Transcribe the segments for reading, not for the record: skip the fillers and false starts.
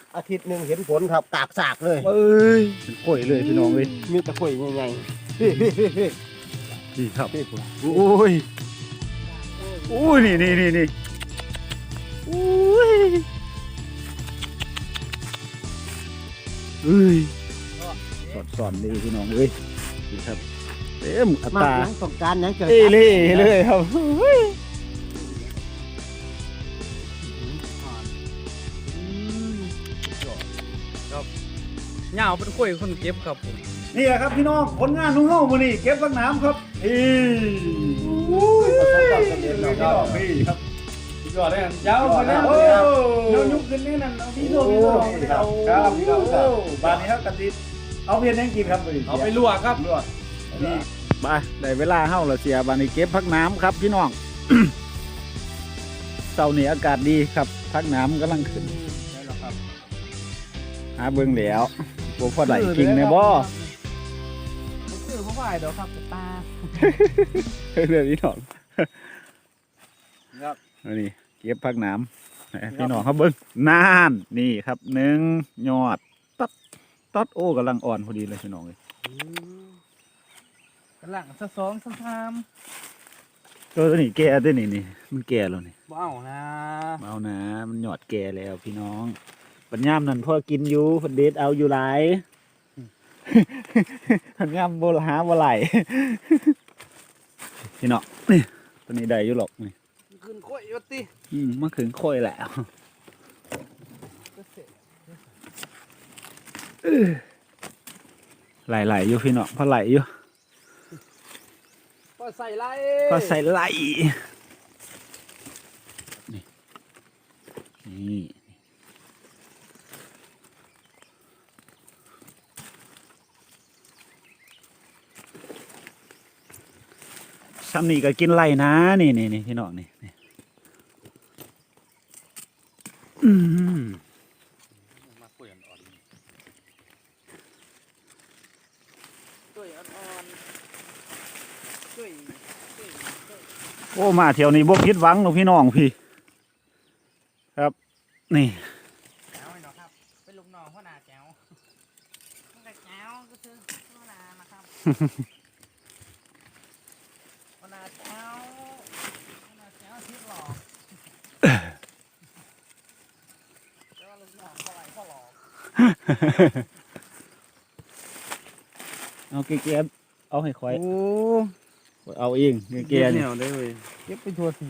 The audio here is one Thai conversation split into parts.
อาทิตย์หนึ่งเห็นผลครับกากสากเลยเอ้ยเป็นกล้วยเลยพี่น้องเลยมีตะกร้วยใหญ่ๆพี่พี่พี่พี่นี่ครับพี่ผมโอ้ยโอ้ยนี่โอ้ยเอ้ยสอนดีพี่น้องเอ้ยนี่ครับเต็มอัตมาราหยังต้องการหยังเกิดเอเล่เลยครับเฮ้ยเหงาเป็นคุยคนเก็บครับผมนี่แหละครับพี่น้องผลงานนุ่งเฮ้ามื้อนี้เก็บผักน้ำครับประสบความสำเร็จแล้วครับพี่ครับยอดเลยยาวไปแล้วโอ้เดี๋ยวยุบขึ้นนี่นั่นเอาพี่โซ่ครับบานนี้ครับกันดิเอาเพียนยังกินครับมื้อนี้เอาไปลวกครับลวกนี่ไปได้เวลาเฮ้าแล้วเสียบานนี้เก็บผักน้ำครับพี่น้อง เช้านี้อากาศดีครับผักน้ำกำลังขึ้นได้แล้วครับหาเบิ่งแล้วบ่พอได้กินแม่บ่คือเขาไหวเดี๋ยวครับตาเรื่องพี่น้องครับอันนี้เก็บผักน้ำให้พี่น้องเขาเบิ่งนานนี่ครับ1ยอดตัดโอ้กำลังอ่อนพอดีเลยพี่น้องเลยกำลังสะสองสะทามตัวนี้แก่ตัวนี้มันแก่แล้วนี่ว้าวนะเอานะมันหยอดแก่แล้วพี่น้องปัญญามนั่นพ่อกินอยู่เพิ่นเด็ดเอาอยู่หลาย ปัญญามบ่หาบ่ไหล พี่น้องนี่ตัวนี้ได้อยู่หรอกนี่ขึ้นข้อยยศติมันถึงค่อยแล้วไหลอยู่พี่น้องพอไหลอยู่ก็ใส่ไล่พอใส่ไหลนี่ซ้ำนี่ก็กินไหลนะนี่พี่น้องนี่มาคุยอ่อนๆคุยอ่อนๆคุยโอ้มาเที่ยวนี้บ่ผิดหวังหรอกพี่น้องพี่ครับนี่แจ๋วเนาะครับเป็นลูกน้องพ่อนาแจ๋วตั้งแต่แจ๋วก็คือพ่อนานะครับพ่อนาแจ๋วพ่อนาแจ๋วที่หลอกแล้วลูกน้องเขาไหลเขาหลอกเอาแก่ๆเอาให้ข่อยโอ้เอาเองแก่ๆนี่วได้เลยเก็บไปทัวร์ที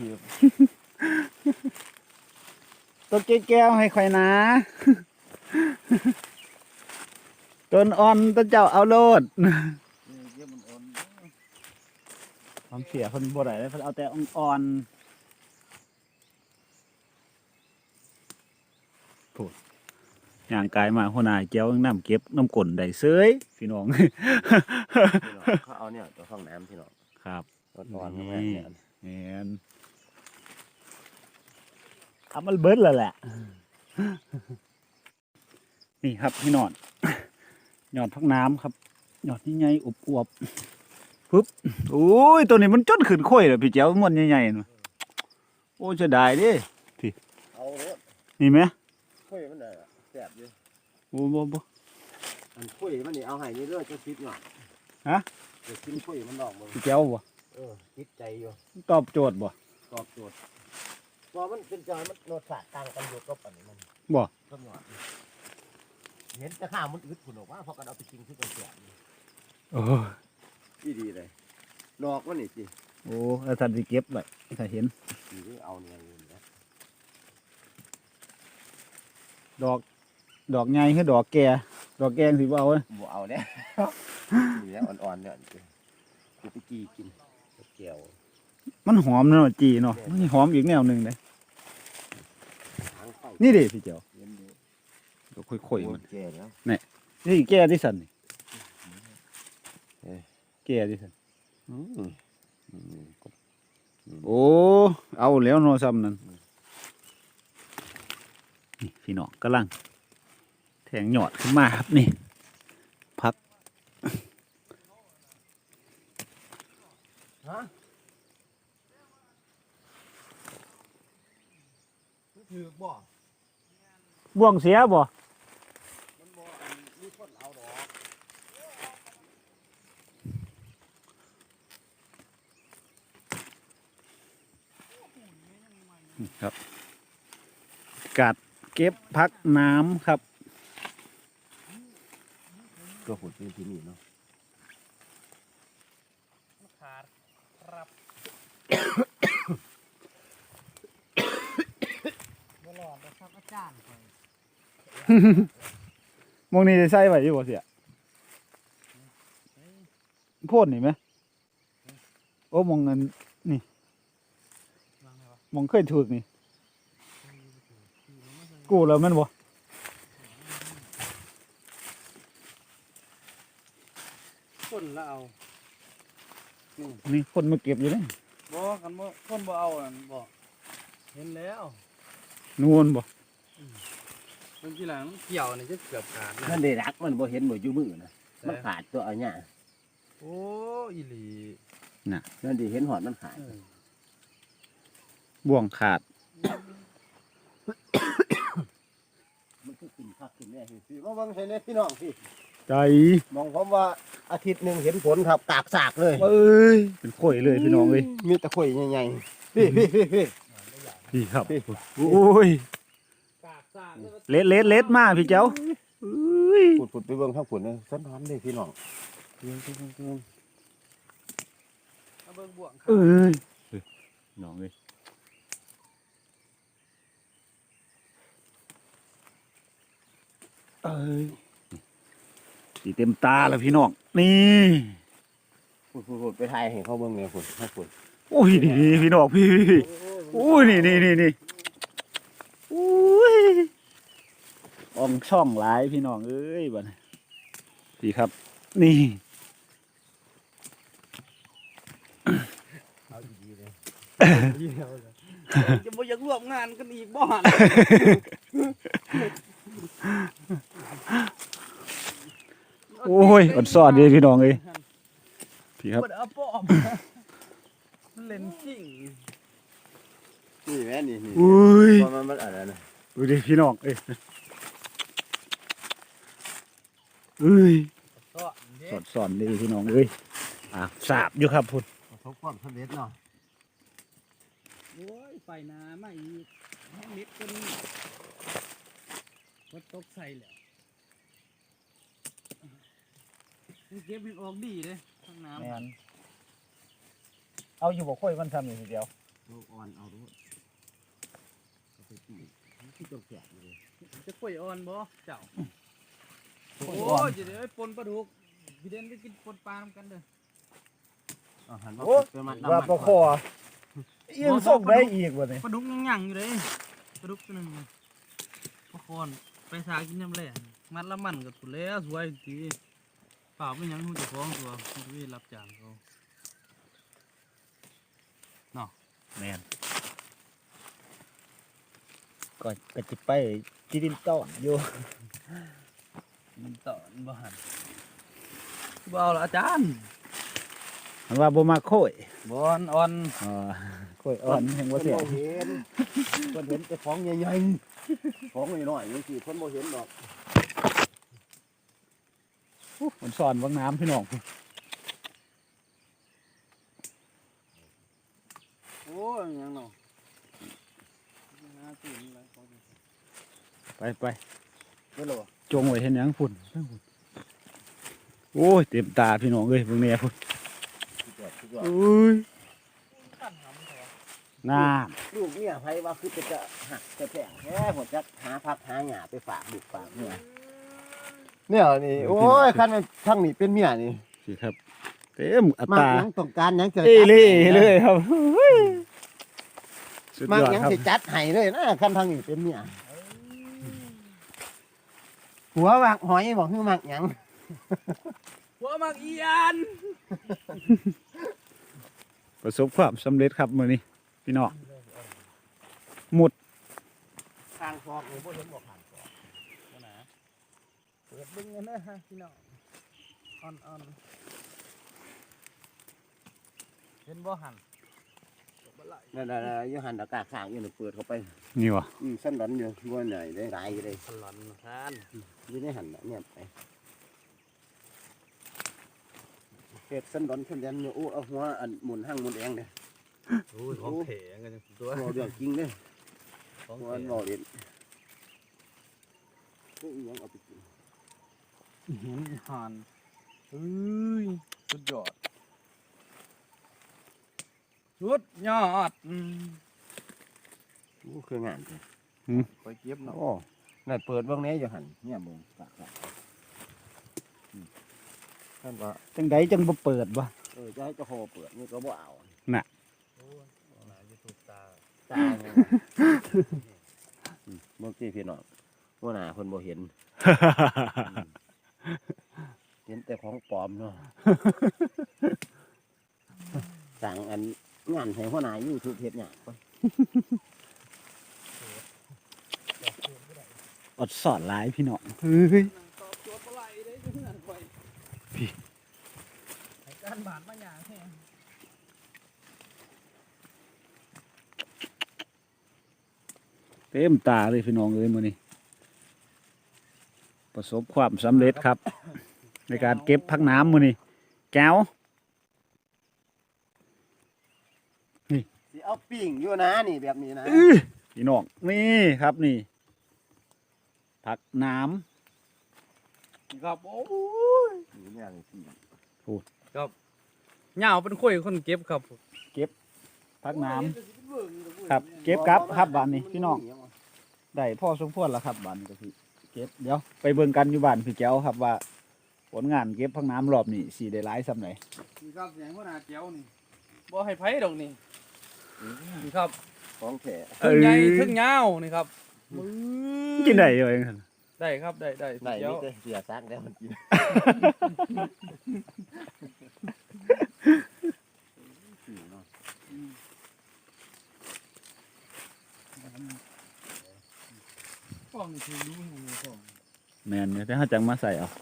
ตัวแก่ๆเอาให้ข่อยนะต้นอ่อนต้นเจ้าเอาโลดความเสียเพิ่นบ่ได้เลยเพิ่นเอาแต่อ่อนๆพูดย่างกายมาหัวหน้าเจ้าน้ำเก็บน้ำก้นได้เซยพี่น้องเขาเอาเนี่ยตัวห้องน้ำพี่น้องครับอ่อนๆแม่เนี่ยแมนทำมันเบิดแล้วแหละ นี่ครับพี่นอน หยอดพักน้ำครับหยอดนี่ไงอวบๆปึ๊บโอ้ยตัวนี้มันจนขึ้นค่อยเลยพี่เจ้ามันใหญ่ๆน่ะโอ้จะได้ดิเอาเลยนี่ไหมคุยมันได้อะแสบอยู่โอ้บ่อันคุยมันนี่เอาให้นี่เลือดจะคิดหน่อยฮะจะกินคุยมันดอกมึงพี่เจ้าบ่คิดใจอยู่ตอบโจทย์บ่ตอบโจทย์พอมันเป็นจอยมันโนดสาดต่างกันอยู่ก็ปันนี้มันบ่ก็หยอดเห็นแต่ข้าวมันอึดผุนออกว่าพอกันเอาไปกินที่กระเสียบโอ้ที่ดีเลยดอกมันนี่สิโอ้แล้วท่านสิเก็บไว้ถ้าเห็นดีเอาเนี่ยอยู่นะดอกใหญ่คือดอกแก่ดอกแกงสิบ่เอาเว้ยบัวเอาเนี่ยนี่นะอ่อนๆเนี่ยกูไปกีกินเกี่ยวมันหอมเนาะจีเนาะมันหอมอีกแนวหนึงเลยหางไฟนี่ดิพี่เจ้าเย็นดีดอกค่อยๆมันแก่แล้วนี่แก่ที่สันนี่แก่ที่สันโอ้เอาแล้วเนาะซ้ำนั่นนี่พี่น้องกำลังแทงหยอดขึ้นมาครับนี่พักฮะถือบ่บ่วงเสียบ่ากาศเก็บพักน้ำครับก็ขุดเป็นที่นี่เนาะขาดครับบ่รอดนะครับอาจารย์ข่อยมองนี่ได้ใส่ไว้อยู่บ่เสียโพ่นนี่ไหมโอ้มองเงินวางไงวะมองเคยถูกนี่กูแล้วแมันบ่คนละเอานี่คนมาเก็บอยู่นี่บ่กันบ่คนบ่เอาอันบ่เห็นแล้วนูนบ่เมื่อกี้หลังเกี่ยวนี่จะเกือบขาดนั่นได้รักมันบ่เห็นบ่อยู่มือนะมันขาดตัวเอาเนี่ยโอ้อีหลีนั่นดิเห็นหอดมันขาดบ่วงขาดมันคือกินผักกินแน่พี่มาเบิ่งให้แน่พี่น้องพี่ใจมองผมว่าอาทิตย์หนึงเห็นผลครับกากสากเลยเอ้ยเป็นข่อยเลยพี่น้องเอ้ยมีแต่ข่อยใหญ่ๆพี่พี่ครับโอ้ยกากซ่าเล็ดมาพี่เจ้าเอ้ยขุดไปเบิ่งทางฝุ่นเลยสันทันเลยพี่น้องเอาเบิ่งบ่วงขาเอ้ยน้องเอ้ยเอ้ยสีเต็มตาแล้วพี่น้องนี่ขุดไปถ่ายให้เขาเบิ่งเลยขุดให้ขุดโอ้ยนี่พี่น้องพี่โอ้ยนี่โอ้ยอองช่องหลายพี่น้องเอ้ยบัดนี้พี่ครับ นี่เอาดีๆเลยจะบ่อยากร่วมงานกันอีกบ่หั่นโอ้ยอดสอดดีพี่น้องเอ้ยพี่ครับบ่ได้เอาป้อมมันเล่นจริงนี่แม่นี่อุ้ยเพราะมันอะไรนะดูดิพี่น้องเอ้ยเอ้ยก็เด้สอนดีพี่น้องเอ้ยสาบอยู่ครับพุ่นประสบความสำเร็จเนาะโอ้ยไฟนามาอีกแห้งนิดก็นี่วัดตกใส่แล้วเก็บมันออกดีเลยข้างน้ำแม่นเอาอยู่บ่ค่อยมันทำอยู่ทีเดียวลูกอ่อนเอาด้วยเอาไปตีที่ตัวแก่เลยจะกล้วยอ่อนบ่เจ้าโอ้โอ้ยจะได้ปนปลาดุกพี่เด่นไปกินปนปลาทำกันเด้อเอาหันมาไปมัดว่าปลาคอยังส่งได้อีกวะเนี่ยปลาดุกยังยั่งอยู่เลยปลาดุกตัวหนึงปลาคอนไปสากินยำแหล่มัดละมันกับถุแล้วสวยทีเปล่าไม่ยังหูจะฟ้องตัวคุณพี่รับจ้างเขาแม่นก็จะไปจีดินต้อนอยู่มันต่อนบ่หันบ่เอาละอาจารย์มันว่าบ่มาโค่อยบอนอ่อนโค่อยอ่อนแห่งว่าเสียเห็นคนเห็นแต่ของใหญ่ๆของน้อยๆนี่สิคนบ่เห็นหรอกมันสอนว่างน้ำพี่น้องโอ้ยยังเนาะน่าตื่นอะไรเขาไปไม่รู้จงไว้เห็นหยังฝุ่นโอ้ยเต็มตาพี่น้องเอ้ยเบิ่งแน่พุ่นสุดยอดอุ้ยขั้นหำแถวน้ลูกเนี่ยไผว่าคือจะหักจะแท้แค่หัวจักหาพักหาหญ้าไปฝากบุกฝากเนี่ยนี่โอ้ยคันมันทั้งนี้เป็นเมียนี่ำสิครับเต็มอัมากตราหยังต้องการหยังจะเอเล่เลยครับสุดมากยอดหยังครับสิจัดให้เลยนะคันทั้งนี้เป็นเมียหัววางหอยบอกคือมากหยังหัวมักเอียนประสบความสำเร็จครับมื้อนี้พี่น้องหมุดทางฟอกนี่บ่เห็นบ่ผ่านฟอกนะเปิดเบึ้งกันนะฮะพี่น้องอ่อนเห็นบ่หันนั่นๆๆอยู่หันอากาศข้างอยู่นี่เปิดเข้าไปนี่วะสั่นดันอยู่บ่ไหนได้หลายอยู่เลยพลอนทานอยู่ในหันน่ะเนี่ยไปเฮ็ดสั่นดันสั่นดันอยู่โอ้เอาหัวอันหมุนหั่งหมุนแองเด้โอ้ยของแข็งกันจังตัวบ่เรื่องจริงเด้ของหัวแข็อันงบ่เล่นนี่อีหยังเอาไปกินเห็นห่านเฮ้ยสุดยอดสุดยอดคืองานจ้ะไปเก็บเนาะโอ้นั่นเปิดเบิ่งแหน่อยู่หั่นเนี่ยเบิ่งกะท่านว่าจังไดจังบ่เปิดบ่จะให้เจ้าโคเปิดนี่ก็บ่เอาน่ะโอ้ยน่าจะถูกตาตาเนี่ยเมื่อกี้พี่น้องว่าหน้าเพิ่นบ่เห็น เห็นแต่ของปลอมเนาะ สั่งอันงานให้หัวหน้า YouTube เฮ็ดหยังก่อนอดสอดหลายพี่น้องเฮ้ยตอบโจทย์บ่ไหลได้จังนั้นไปพี่ให้การบาดมาหยังแท้เต็มตาเลยพี่น้องเอ้ยมื้อนี้ประสบความสำเร็จครับ ในการเก็บพักน้ำมื้อนี้แก้วสิเอาปิ้งอยู่นะนี่แบบนี้นะพี่น้องนี่ครับนี่ผักน้ครับโอ้ยนี่เนี่ยนี่ปิ้งเหงาเป็นข่อยคนเก็บครับำผักน้ำครับเก็บกับครับบ้านนี้พี่น้องได้พ่อสมควรแล้วครับบ้านนี้ก็พี่เก็บเดี๋ยวไปเบิ่งกันอยู่บ้านพี่แก้วครับว่าผลงานเก็บผักน้ำรอบนี้สิได้หลายส่ำไหนนี่ครับเสียงหัวหน้าเจียวนี่บ่ให้ไผดอกนี่นี่ครับของแท้ถึงใหญ่ถึงยาวนี่ครับมือกินได้อยู่เองครับได้ครับได้ได้เจียวนี่แต่เสียซักแล้วมันกินเนาะฟองนี่คือรู้หูฟองแม่นเนี่ยแต่เขาจังมาใส่เอา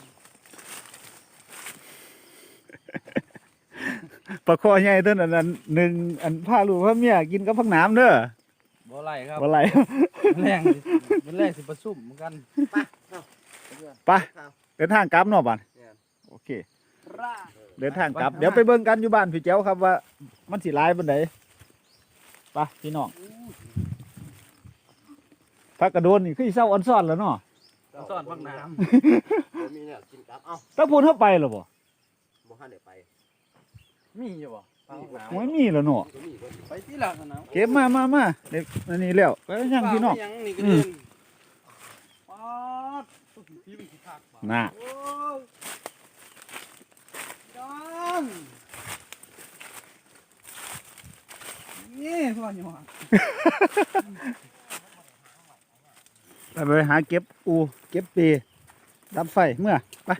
ปลาคอใหญ่ต้นอันนั้นหนึ่งอันผ้าลูกผ้าเมียกินกับผักน้ำเด้อบ่ไหลครับบ่ไหลแรงสิมันแรงสิประซุ่มเหมือนกันไปเดินทางกลับเนาะบ้านโอเค เดินทางกลับ เดี๋ยวไปเบิ่งกันอยู่บ้านพี่แจ้วครับว่ามันสิหลายปานใดไปพี่น้องพักกระโดนนี่คือสิเศร้าอันซ่อนแล้วเนาะซ่อนพักน้มีเนี่ยกินกับเอ้าถ้าพูนเข้าไปหรอบ่บ่ทันได้ไปำมีอยู่บ่พักน้ไม่มีแล้วเนาะก็มีก็มีำไปที่หลังนะเก็บมาเด็กอันนี้แล้วไปยังพี่น้องยังนี่ก็เดินป๊าดตุ๊กพี่มีขี้ขากบ่น่ะโอ้ยยังนี่พ่อหยอดไปหาเก็บอูเก็บปีดับไฟเมื่อไป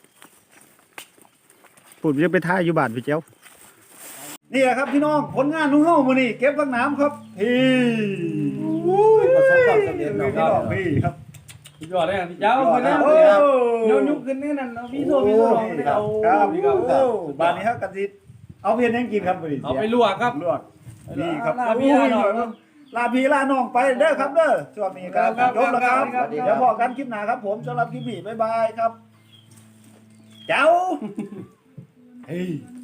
ปุ่นจะไปท่ายอยู่บ้านพี่เจ้านี่แหละครับพี่น้องผลงานของเฮามื้อนี้เก็บผักน้ำครับพี่ประสบความสำเร็จพี่เนาะน้องพี่ครับสุดยอดเลยอ่ะพี่เจ้าคนนี้โอ้เดี๋ยวยุบขึ้นแน่นั่นเอาพี่โทรพี่โทรเอาเลยเอาครับพี่ครับโอ้บ้านนี้ครับกันสิเอาเพียนยังกินครับมื้อนี้เอาไปลวกครับลวกนี่ครับลาพี่ลาน้องลาพี่ลาน้องไปเด้อครับเด้อช่วงนี้ครับครับจบแล้วครับครับเดี๋ยวพอกันคลิปหน้าครับผมสำหรับคลิปนี้บ๊ายบายครับเจ้าเฮ้ย